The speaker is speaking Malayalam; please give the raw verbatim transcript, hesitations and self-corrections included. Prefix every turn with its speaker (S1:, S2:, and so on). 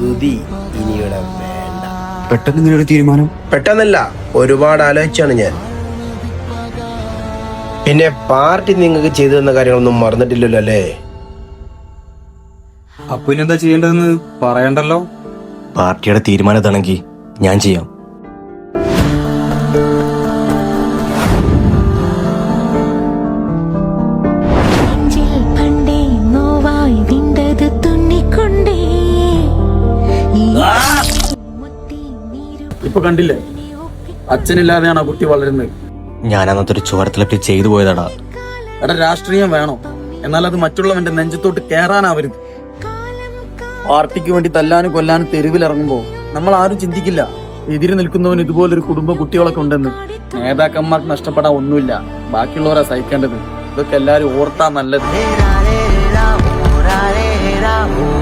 S1: സുധി ഇനിയുടെ വേണ്ട.
S2: പെട്ടെന്ന് ഇങ്ങനെ ഒരു തീരുമാനം?
S1: പെട്ടെന്നല്ല, ഒരുപാട് ആലോചിച്ചാണ് ഞാൻ. പിന്നെ പാർട്ടി നിങ്ങൾക്ക് ചെയ്തു തന്ന കാര്യങ്ങളൊന്നും മറന്നിട്ടില്ലല്ലോ അല്ലേ?
S2: അപ്പൊ ഇനി എന്താ ചെയ്യേണ്ടതെന്ന് പറയണ്ടല്ലോ.
S3: പാർട്ടിയുടെ തീരുമാനത്താണെങ്കിൽ ഞാൻ ചെയ്യാം.
S4: ഇപ്പൊ കണ്ടില്ലേ, അച്ഛനില്ലാതെയാണ് ആ കുട്ടി വളരുന്നത്.
S3: ഞാൻ അന്നത്തെ ഒരു ചോരത്തിലപ്പി ചെയ്തു പോയതാടാ.
S4: എടാ, രാഷ്ട്രീയം വേണോ, എന്നാൽ അത് മറ്റുള്ളവന്റെ നെഞ്ചത്തോട്ട് കേറാനാവരുത്. പാർട്ടിക്ക് വേണ്ടി തല്ലാനും കൊല്ലാനും തെരുവിലിറങ്ങുമ്പോ നമ്മൾ ആരും ചിന്തിക്കില്ല എതിര് നിൽക്കുന്നവന് ഇതുപോലൊരു കുടുംബ കുട്ടികളൊക്കെ ഉണ്ടെന്ന്. നേതാക്കന്മാർക്ക് നഷ്ടപ്പെടാൻ ഒന്നുമില്ല, ബാക്കിയുള്ളവരാ സഹിക്കേണ്ടത്. ഇതൊക്കെ എല്ലാരും ഓർത്താ നല്ലത്.